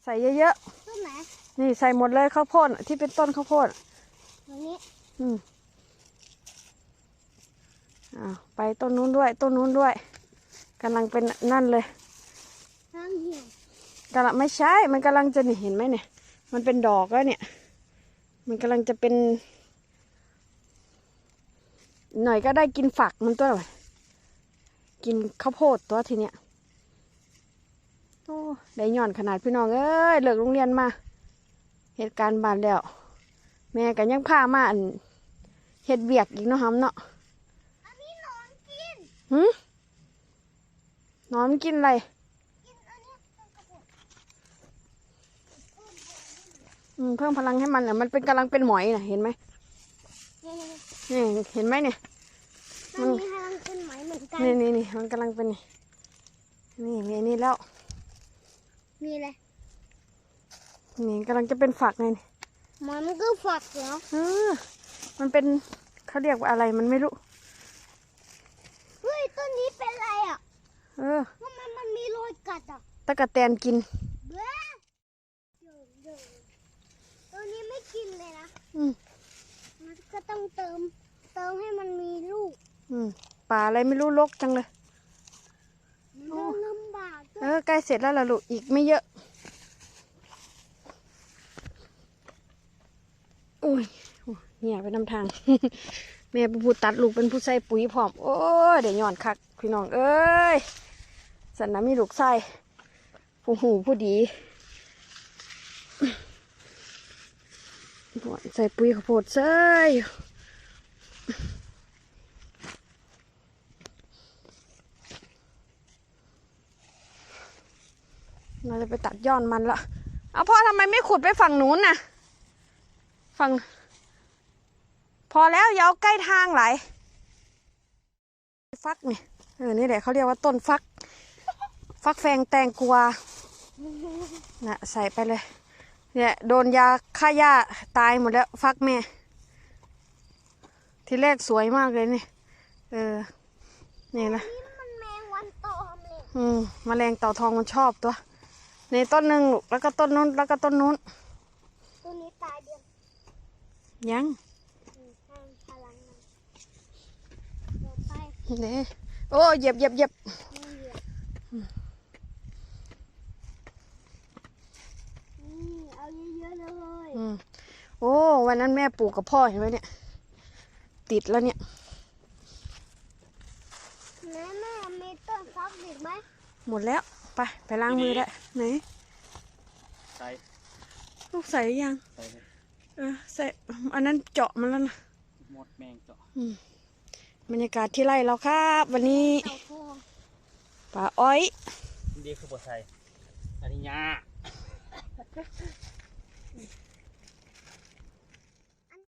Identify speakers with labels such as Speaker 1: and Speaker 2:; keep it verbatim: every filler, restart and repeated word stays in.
Speaker 1: ใส่เยอะ
Speaker 2: ต้นไหน
Speaker 1: ๆนี่ใส่หมดเลยข้าวโพดที่เป็นต้นข้าวโพด
Speaker 2: ตรงนี้
Speaker 1: อืมอ้าวไปต้นนู้นด้วยต้นนู้นด้วยกำลังเป็นนั่นเลย
Speaker 2: ข้างเหี่ยว
Speaker 1: กำลังไม่ใช่มันกำลังจะนี่เห็นไหมเนี่ยมันเป็นดอกแล้วเนี่ยมันกำลังจะเป็นหน่อยก็ได้กินฝักมันตัวหน่อยกินข้าวโพดตัวทีเนี้ยโอ้ได้ย่อนขนาดพี่น้องเอ้ยเลิกโรงเรียนมาเหตุการณ์บานแล้วแม่กันยังพามาอันเฮ็ดเบียกอีกเนาะฮัมเนาะ
Speaker 2: อันนี้นอนกิน
Speaker 1: หืมนอนกินอะไร
Speaker 2: กินอันนี้กระปุก
Speaker 1: อืมเพิ่มพลังให้มันอ่ะมันเป็นกำลังเป็นหมอยน่ะเห็นไหมนี่เห็นไหมเนี่ย
Speaker 2: มันมีพลังเป็นไหมเหมือนกัน
Speaker 1: นี่นี่นี่มันกำลังเป็นนี่นี่มีอันนี้แล้ว
Speaker 2: มีอะไร
Speaker 1: นี่กำลังจะเป็นฝักไงนี่
Speaker 2: มันก็ฝักเหรอ
Speaker 1: เออมันเป็นเขาเรียกว่าอะไรมันไม่รู้
Speaker 2: เฮ้ยต้นนี้เป็นอะไรอ่ะ
Speaker 1: เออ
Speaker 2: ทำไมมันมีรอยกัดอ่ะ
Speaker 1: ตะกะแตนกิน
Speaker 2: เบ้อตัวนี้ไม่กินเลยนะ
Speaker 1: อืม
Speaker 2: มันก็ต้องเติมเติมให้มันมีลูก
Speaker 1: อืมป่าอะไรไม่รู้รกจังเลย
Speaker 2: โอ้ลำบาก
Speaker 1: เออใกล้เสร็จแล้วล่ะลูกอีกไม่เยอะอุ้ยเหี่ยไปนำทาง แม่เป็นผู้ตัดลูกเป็นผู้ใส่ปุ๋ยพร้อมโอ้ยเดี๋ยวย้อนคักพี่น้องเอ้ยสันนะมีลูกใส่ผู้หูผู้ดีใส่ปุ๋ยข้าวโพดใส่เราจะไปตัดย้อนมันละเอาพ่อทำไมไม่ขุดไปฝั่งนู้นน่ะฝั่งพอแล้วอย่าเอาใกล้ทางไหลฟักนี่เออนี่แหละเขาเรียกว่าต้นฟักฟักแฟงแตงกวาน่ะใส่ไปเลยเนี่ยโดนยาฆ่าหญ้าตายหมดแล้วฟักแม่ทีแรกสวยมากเลยนี่เออนี่นะ
Speaker 2: มันแมงวันตอมเลย
Speaker 1: อืมแมลงเต่าทองมันชอบตัวในต้นหนึ่งแล้วก็ต้นนู้นแล้วก็ต้นนู้น
Speaker 2: ต้นนี้ตายเดียว
Speaker 1: ยัง
Speaker 2: พลังมันเดี๋ยวไป
Speaker 1: เนี่ยโอ้เหยียบเหยียบเหยียบ
Speaker 2: เอาเยอะๆเลย
Speaker 1: อืมโอ้วันนั้นแม่ปลูกกับพ่อเห็นไหมเนี่ยติดแล้วเนี่ย
Speaker 2: แม่แม่มีต้นฟักอีกไหม
Speaker 1: หมดแล้วไปไปล้างมือได้ไหน
Speaker 3: ใส่
Speaker 1: ลูกใส่ยัง
Speaker 3: ใส่เลย
Speaker 1: เออใส่อันนั้นเจาะมันแล้วนะ
Speaker 3: หมดแมงเจาะ
Speaker 1: บรรยากาศที่ไร่เราครับวันนี้ป่าอ้อย
Speaker 3: ดีคือปวดใส่อันนี้ยา